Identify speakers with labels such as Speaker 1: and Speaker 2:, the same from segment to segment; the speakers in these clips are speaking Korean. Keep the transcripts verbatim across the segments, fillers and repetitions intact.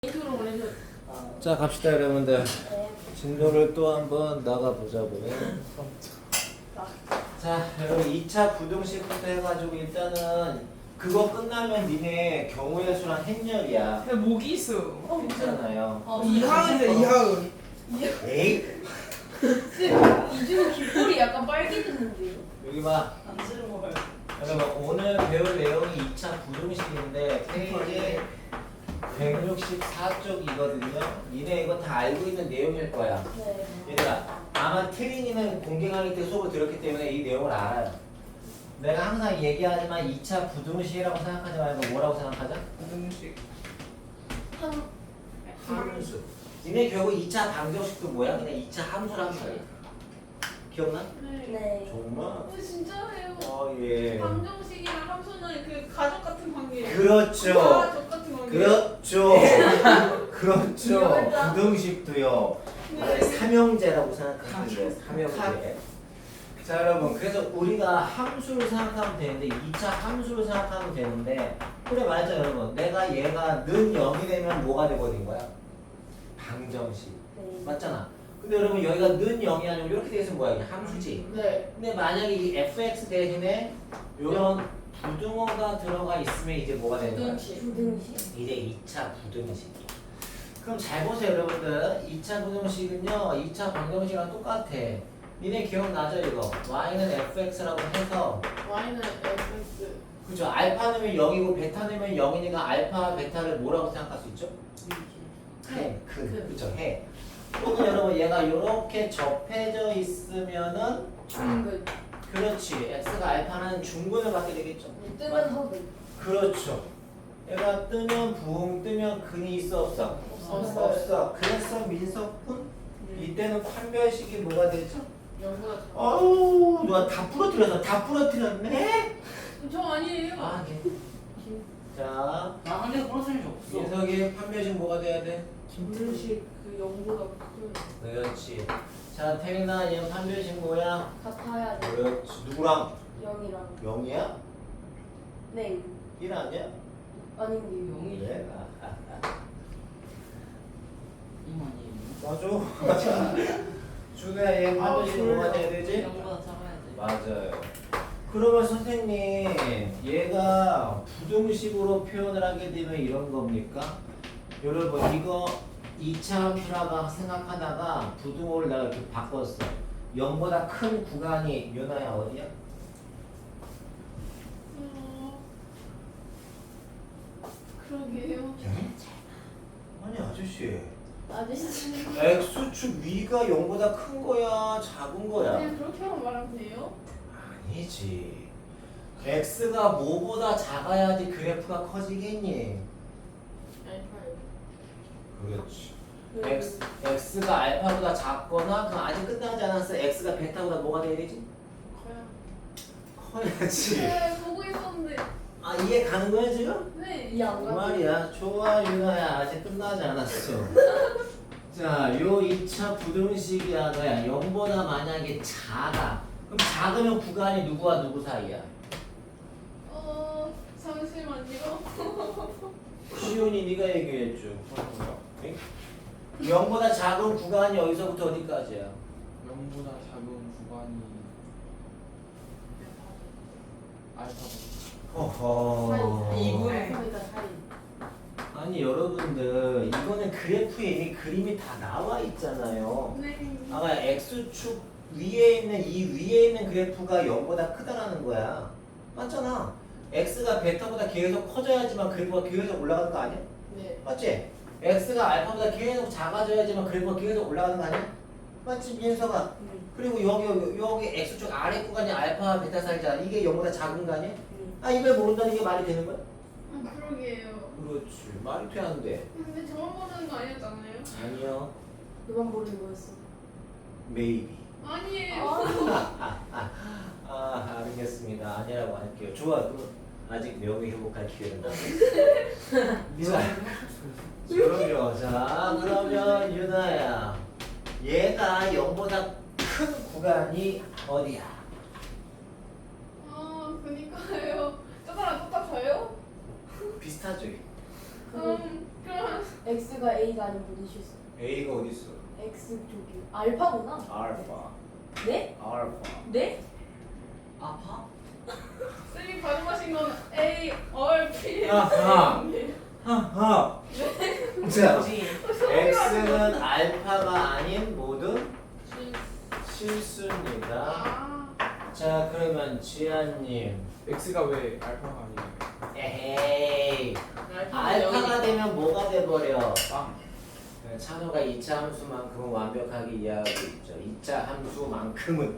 Speaker 1: 자 갑시다 여러분들. 진도를 또 한번 나가보자고요. 자 여러분 이 차 부등식부터 해가지고 일단은 그거 끝나면 니네 경우의 수랑 행렬이야.
Speaker 2: 야, 목이 있어.
Speaker 1: 어, 괜찮아요.
Speaker 2: 어, 이하은이다, 이하은.
Speaker 1: 에이
Speaker 3: 이중 귓볼이 약간 빨개졌는데요?
Speaker 1: 여기 봐.
Speaker 3: 안 들은 거 봐요.
Speaker 1: 여러분 오늘 배울 내용이 이 차 부등식인데 페이지 백육십사 쪽이거든요. 니네 이거 다 알고 있는 내용일 거야.
Speaker 3: 네.
Speaker 1: 얘들아 아마 태린이는 공개 강의 때 수업을 들었기 때문에 이 내용을 알아요. 내가 항상 얘기하지만 이 차 부등식이라고 생각하지 말고 뭐라고 생각하자?
Speaker 2: 부등식.
Speaker 3: 한
Speaker 1: 함수. 니네 결국 이 차 방정식도 뭐야? 그냥 이 차 함수란 말이야. 기억나?
Speaker 3: 네. 네.
Speaker 1: 정말?
Speaker 4: 어, 진짜예요.
Speaker 1: 어 예.
Speaker 4: 방정식이랑 함수는 그 가족 같은 관계예요.
Speaker 1: 그렇죠.
Speaker 4: 가족 같은 관계.
Speaker 1: 그렇죠. 그렇죠.
Speaker 3: 이해했다.
Speaker 1: 부등식도요.
Speaker 4: 네.
Speaker 1: 삼형제라고 생각하면 돼요. 삼형제. 자 여러분 그래서 우리가 함수를 생각하면 되는데 이 차 함수를 생각하면 되는데 그래 맞죠 여러분. 내가 얘가 는 영이 되면 뭐가 되버린 거야? 방정식.
Speaker 3: 네.
Speaker 1: 맞잖아. 근데 여러분 여기가 는 영이 아니고 이렇게 돼 있으면 뭐야? 이게 함수지.
Speaker 4: 네.
Speaker 1: 근데 만약에 이 에프엑스 대신에 이런 부등호가 들어가 있으면 이제 뭐가 되는 거야?
Speaker 4: 부등식.
Speaker 3: 부등식?
Speaker 1: 이제 이 차 부등식이. 그럼 잘 보세요 여러분들. 이 차 부등식은요 이 차 방정식이랑 똑같아. 니네 기억나죠 이거? y는 fx라고 해서
Speaker 4: y는 fx.
Speaker 1: 그죠? 알파 넣으면 영이고 베타 넣으면 영이니까 알파 베타를 뭐라고 생각할 수 있죠? 해. 그 그죠? 해. 또는 여러분 얘가 이렇게 접해져 있으면은
Speaker 3: 중근.
Speaker 1: 그렇지. x가 알파는 중근을 받게 되겠죠?
Speaker 3: 뜨면 허근.
Speaker 1: 그렇죠. 얘가 뜨면 붕 뜨면 근이 있어 없어?
Speaker 4: 없어요.
Speaker 1: 없어. 그래서 민석훈 이때는 판별식이 뭐가 되죠?
Speaker 4: 영보다 작아.
Speaker 1: 어우 누가 다 부러뜨려서 다 부러뜨렸네?
Speaker 4: 저 아니에요.
Speaker 1: 아 네. 자
Speaker 2: 나 한 개도 부러뜨린 적 없어.
Speaker 1: 민석이 판별식 뭐가 돼야 돼?
Speaker 4: 부등식 그 영보다 큰.
Speaker 1: 그렇지. 자 태민아 얘 판별식 뭐야?
Speaker 3: 같아야 돼.
Speaker 1: 그렇지. 누구랑?
Speaker 3: 영이랑.
Speaker 1: 영이야?
Speaker 3: 네.
Speaker 1: 일 아니야?
Speaker 3: 아닌데요.
Speaker 2: 영이
Speaker 1: 그래? 아, 아, 아.
Speaker 2: 이만이.
Speaker 1: 맞아. 준우야 얘 판별식
Speaker 4: 아,
Speaker 1: 뭐가 돼야 되지?
Speaker 2: 영보다 작아야지.
Speaker 1: 맞아요. 그러면 선생님 얘가 부등식으로 표현을 하게 되면 이런 겁니까? 여러분 이거 이 차 함수라고 생각하다가 부등호를 내가 이렇게 바꿨어. 영보다 큰 구간이 윤아야 어디야?
Speaker 4: 어. 그러게요.
Speaker 1: 아니 아저씨
Speaker 3: 아저씨.
Speaker 1: x축 위가 영보다 큰 거야 작은 거야?
Speaker 4: 그냥 그렇게만 말하면 돼요?
Speaker 1: 아니지. x가 뭐보다 작아야지 그래프가 커지겠니?
Speaker 4: 알파요.
Speaker 1: 그렇지. x, x가 알파보다 작거나 그럼 아직 끝나지 않았어. x가 베타보다 뭐가 돼야 되지?
Speaker 4: 커요.
Speaker 1: 커야지.
Speaker 4: 네, 보고 있었는데.
Speaker 1: 아 이해 가는 거야 지금?
Speaker 4: 네.
Speaker 3: 이해 안
Speaker 1: 그
Speaker 3: 가?
Speaker 1: 말이야. 좋아 유나야. 아직 끝나지 않았어. 자, 요 이 차 부등식이야 너야. 영보다 만약에 작아. 그럼 작으면 구간이 누구와 누구 사이야?
Speaker 4: 어, 잠시만요.
Speaker 1: 시온이 네가 얘기했죠. 응? 영보다 작은 구간이 어디서부터 어디까지야?
Speaker 2: 영보다 작은 구간이 알파고.
Speaker 1: 허허.
Speaker 2: 이분의
Speaker 3: 그러니까 사이.
Speaker 1: 아니 여러분들 이거는 그래프에 이미 그림이 다 나와 있잖아요.
Speaker 4: 네.
Speaker 1: 아까 x축 위에 있는 이 위에 있는 그래프가 영보다 크다라는 거야. 맞잖아. x가 베타보다 계속 커져야지만 그래프가 계속 올라가는 거 아니야?
Speaker 4: 네.
Speaker 1: 맞지? x가 알파보다 계속 작아져야지만 그래프가 계속 올라가는 거 아니야? 맞지 민서가?
Speaker 3: 응.
Speaker 1: 그리고 여기 여기, 여기 x축 아래 구간이 알파 베타 사이잖아. 이게 영보다 작은 거 아니야?
Speaker 3: 응.
Speaker 1: 아 이걸 모른다는 게 말이 되는 거야?
Speaker 4: 아, 그러게요.
Speaker 1: 그렇지. 말이 돼 안 돼?
Speaker 4: 근데 저만 모르는 거 아니었잖아요?
Speaker 1: 아니요.
Speaker 3: 너만 모르는 거였어.
Speaker 1: Maybe.
Speaker 4: 아니에요.
Speaker 1: 아 알겠습니다. 아니라고 할게요. 좋아. 그럼 아직 명예 회복할 기회는 남아. 그럼요. 자 그러면 유나야. 얘가 영보다 큰 구간이 어디야?
Speaker 4: 아, 그니까요. 저거랑 똑같아요?
Speaker 1: 비슷하죠?
Speaker 4: 음, 그럼
Speaker 3: X가 A가 아닌 모든 실수.
Speaker 1: A가 어디 있어?
Speaker 3: X 저기 알파구나.
Speaker 1: 알파.
Speaker 3: 네?
Speaker 1: 알파.
Speaker 3: 네?
Speaker 2: 아파?
Speaker 4: 쌤이 발음하신 건 A, R, P.
Speaker 1: 아하. 하하. 자,
Speaker 2: 뭐지?
Speaker 1: X는 알파가 아닌 모든
Speaker 4: 실-
Speaker 1: 실수입니다.
Speaker 4: 아,
Speaker 1: 자, 그러면 지아님.
Speaker 2: X가 왜 알파가 아니에요?
Speaker 1: 에헤이. 알파가 되면 뭐가 돼버려?
Speaker 2: 빵.
Speaker 1: 네, 찬호가 이 차 함수만큼은 완벽하게 이해하고 있죠. 이 차 함수만큼은.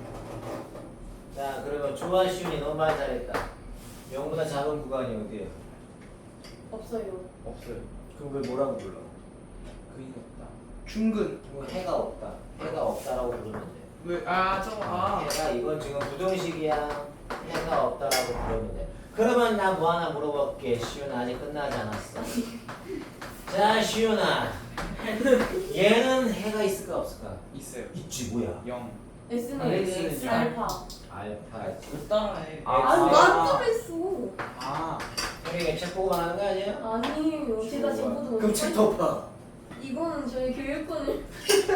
Speaker 1: 자, 그러면 조아 시윤이 너무 말 잘했다. 영보다 작은 구간이 어디예요?
Speaker 3: 없어요.
Speaker 2: 없어요.
Speaker 1: 그럼 왜 뭐라고 불러?
Speaker 2: 근이 없다. 중근.
Speaker 1: 뭐 해가 없다. 해가 없다라고 부르면 돼.
Speaker 2: 왜? 아 저거 아.
Speaker 1: 해가 이건 지금 부동식이야. 해가 없다라고 부르면 돼. 그러면 나 뭐 하나 물어볼게. 시윤아 아직 끝나지 않았어. 자, 시윤아. 얘는 해가 있을까 없을까?
Speaker 2: 있어요.
Speaker 1: 있지 뭐야?
Speaker 2: 영.
Speaker 3: S는
Speaker 2: 아,
Speaker 3: X,
Speaker 2: X는
Speaker 3: 알파.
Speaker 1: 알파지.
Speaker 2: 못 따라해.
Speaker 3: 아,
Speaker 2: 아.
Speaker 3: 나도 했어.
Speaker 2: 아.
Speaker 1: 형이 책 보고 말하는 거 아니야?
Speaker 3: 아니에요. 제가 지금 보도
Speaker 1: 그럼 책 덮어.
Speaker 3: 이거는 저희 교육권을.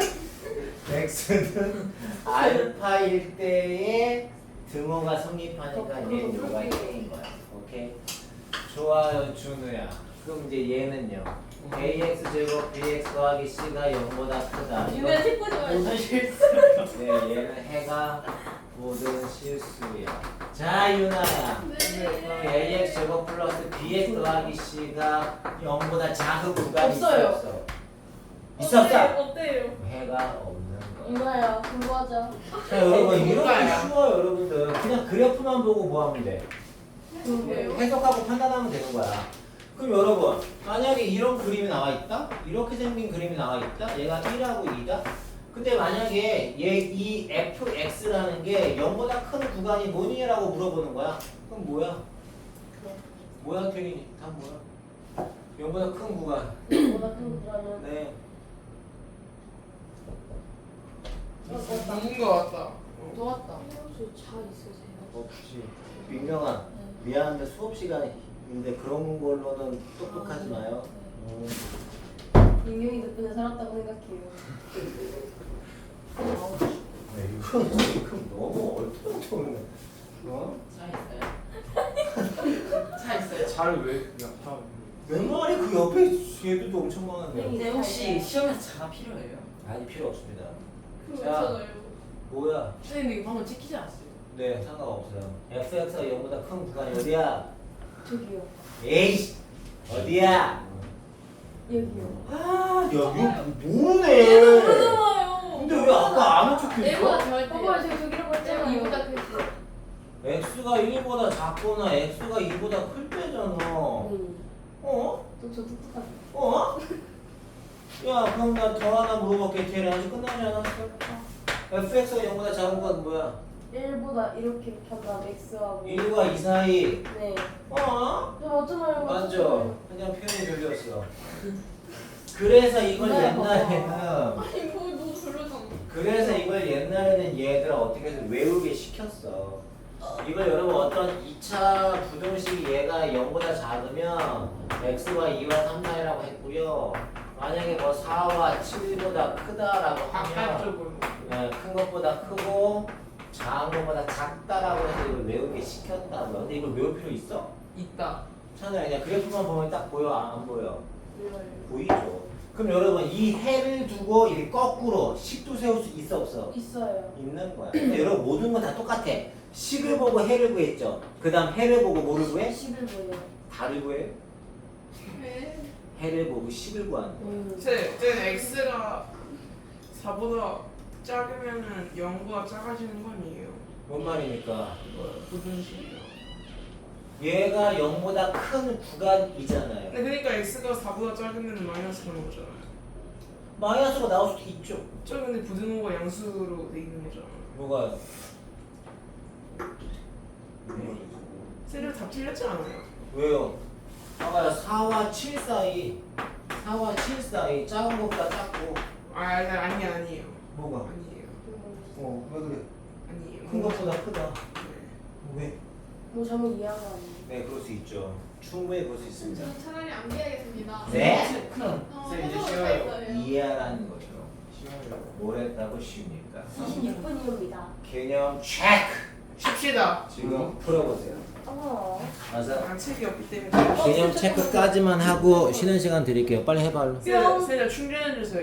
Speaker 1: X는 알파일 때에 등호가 성립하니까 얘 누가 있는 거야. 오케이. 좋아요, 준우야. 그럼 이제 얘는요. ax 제곱 bx 더하기 c가 영보다 크다. 이거
Speaker 3: 유야 책 보지 말고.
Speaker 2: 실수.
Speaker 1: 네, 얘는 해가 모든 실수야. 자, 유나야. 그럼
Speaker 4: 네.
Speaker 1: ax 제곱 플러스 bx 더하기 c가 영보다 작은 구간이
Speaker 3: 없어요.
Speaker 1: 있어 없어? 있어 없어?
Speaker 4: 어때요?
Speaker 1: 해가 없는 거야.
Speaker 3: 유나야 공부하자.
Speaker 1: 자, 여러분 이렇게
Speaker 2: 뭔가요?
Speaker 1: 쉬워요, 여러분들. 그냥 그래프만 보고 뭐 하면 돼?
Speaker 4: 그러게요.
Speaker 1: 해석하고 판단하면 되는 거야. 그럼 여러분, 만약에 이런 그림이 나와 있다? 이렇게 생긴 그림이 나와 있다? 얘가 일하고 이다? 근데 만약에 얘 이 에프엑스라는 게 영보다 큰 구간이 뭐니라고 물어보는 거야? 그럼 뭐야? 뭐야, 태린이? 다 뭐야? 영보다 큰 구간.
Speaker 3: 보다 큰 구간은.
Speaker 1: 네.
Speaker 2: 누군 거 같다.
Speaker 3: 놓았다. 저잘 있으세요?
Speaker 1: 없지. 민경아, 미안한데 수업 시간인데 그런 걸로는 똑똑하지 마요. 음.
Speaker 3: 민경이 덕분에 살았다고 생각해요.
Speaker 1: 네, 이건 지금 너무 얼토당토네. 어?
Speaker 2: 차 있어요. 차 있어요. 차를 왜 그냥 차?
Speaker 1: 내 말이 그 옆에 얘들도 엄청 많은데.
Speaker 3: 근데 혹시
Speaker 2: 시험에서 차가 필요해요?
Speaker 1: 아니 필요 없습니다.
Speaker 4: 그렇잖아요.
Speaker 1: 뭐야?
Speaker 2: 선생님 이거 방금 찍히지 않았어요?
Speaker 1: 네, 상관없어요. 에프엑스가 영보다 큰 구간이 어디야?
Speaker 3: 저기요.
Speaker 1: 에이씨! 어디야?
Speaker 3: 여기요.
Speaker 1: 아, 여기
Speaker 4: 얘도
Speaker 1: 모르네.
Speaker 4: 모르잖아요.
Speaker 1: 근데 왜 아까 아는 척했어?
Speaker 4: A보다 잘
Speaker 3: 봐봐요,
Speaker 4: 때.
Speaker 3: 제가 저기라고 했잖아요.
Speaker 4: 이보다 크지.
Speaker 1: x가 일보다 작거나 x가 이보다 클 때잖아.
Speaker 3: 음.
Speaker 1: 어?
Speaker 3: 또저 똑똑하네.
Speaker 1: 어? 야, 그럼 나 더 하나 물어볼게. 걔네 아직 끝나지 않았어? 에프엑스가 영보다 작은 건 뭐야?
Speaker 3: 일보다 이렇게 이렇게 한 다음 X하고.
Speaker 1: 일과 이 사이.
Speaker 3: 네.
Speaker 1: 어?
Speaker 3: 저 맞잖아요.
Speaker 1: 맞죠? 그냥 표현이 들렸어. 그래서 이걸
Speaker 3: 네,
Speaker 1: 옛날에는
Speaker 4: 아니 뭐 너무 별로잖아.
Speaker 1: 그래서 이걸 옛날에는 얘들아 어떻게 해서 외우게 시켰어. 이걸 여러분 어떤 이 차 부등식 얘가 영보다 작으면 x와 이와 삼, 사이라고 했고요. 만약에 뭐 사와 칠보다 크다라고 하면
Speaker 2: 바깥쪽으로.
Speaker 1: 네, 큰 것보다 크고 작은 것보다 작다라고 해서 이걸 외우게 시켰다고요. 근데 이걸 외울 필요 있어?
Speaker 2: 있다.
Speaker 1: 찬우야 그냥 그래프만 보면 딱 보여? 안 보여?
Speaker 3: 이거요.
Speaker 1: 보이죠? 그럼 여러분 이 해를 두고 이렇게 거꾸로 식도 세울 수 있어 없어?
Speaker 3: 있어요.
Speaker 1: 있는 거야. 근데 여러분 모든 건 다 똑같아. 식을 보고 해를 구했죠. 그 다음 해를 보고 뭐를 구해?
Speaker 3: 십일 보여요.
Speaker 1: 달을 구해?
Speaker 4: 왜?
Speaker 1: 해를 보고 식을 구하는 거야.
Speaker 3: 음.
Speaker 5: 제, 제 x가 사보다 작으면은 영보다 작아지는 거 아니에요?
Speaker 1: 뭔 말입니까?
Speaker 5: 부등식이요.
Speaker 1: 얘가 영보다 큰 구간이잖아요.
Speaker 5: 근데 그러니까 x가 사보다 작으면 마이너스 그런 거잖아요.
Speaker 1: 마이너스가 나올 수도 있죠.
Speaker 5: 저 근데 부등호가 양수로 돼 있는 거잖아요.
Speaker 1: 뭐가?
Speaker 5: 쟤들 다 틀렸지 않아요?
Speaker 1: 왜요? 아까 사와 칠 사이 사와 칠 사이 작은 것보다 작고
Speaker 5: 아 아니 아니 아니에요.
Speaker 1: 뭐가?
Speaker 5: 아니에요.
Speaker 1: 어, 왜 그래?
Speaker 5: 아니에요.
Speaker 1: 큰 것보다 크다.
Speaker 5: 네.
Speaker 1: 왜?
Speaker 3: 뭐 잘못 이해한 거 아니에요?
Speaker 1: 네, 그럴 수 있죠. 충분히 볼 수 있습니다.
Speaker 4: 저는 차라리 암기하겠습니다.
Speaker 1: 네?
Speaker 4: 어,
Speaker 2: 쌤, 이제
Speaker 4: 해석을
Speaker 2: 쉬워요.
Speaker 4: 했어요.
Speaker 1: 이해하라는 거죠.
Speaker 2: 쉬워요.
Speaker 1: 뭘 했다고 쉽니까?
Speaker 3: 이십육 분이옵니다.
Speaker 1: 개념 체크!
Speaker 5: 쉽시다.
Speaker 1: 지금 풀어보세요.
Speaker 3: 어.
Speaker 1: 맞아.
Speaker 5: 아, 책이 없기 때문에.
Speaker 1: 개념 체크까지만 하고 쉬는 시간 드릴게요. 빨리 해봐. 얼른.
Speaker 5: 세자 충전해 주세요.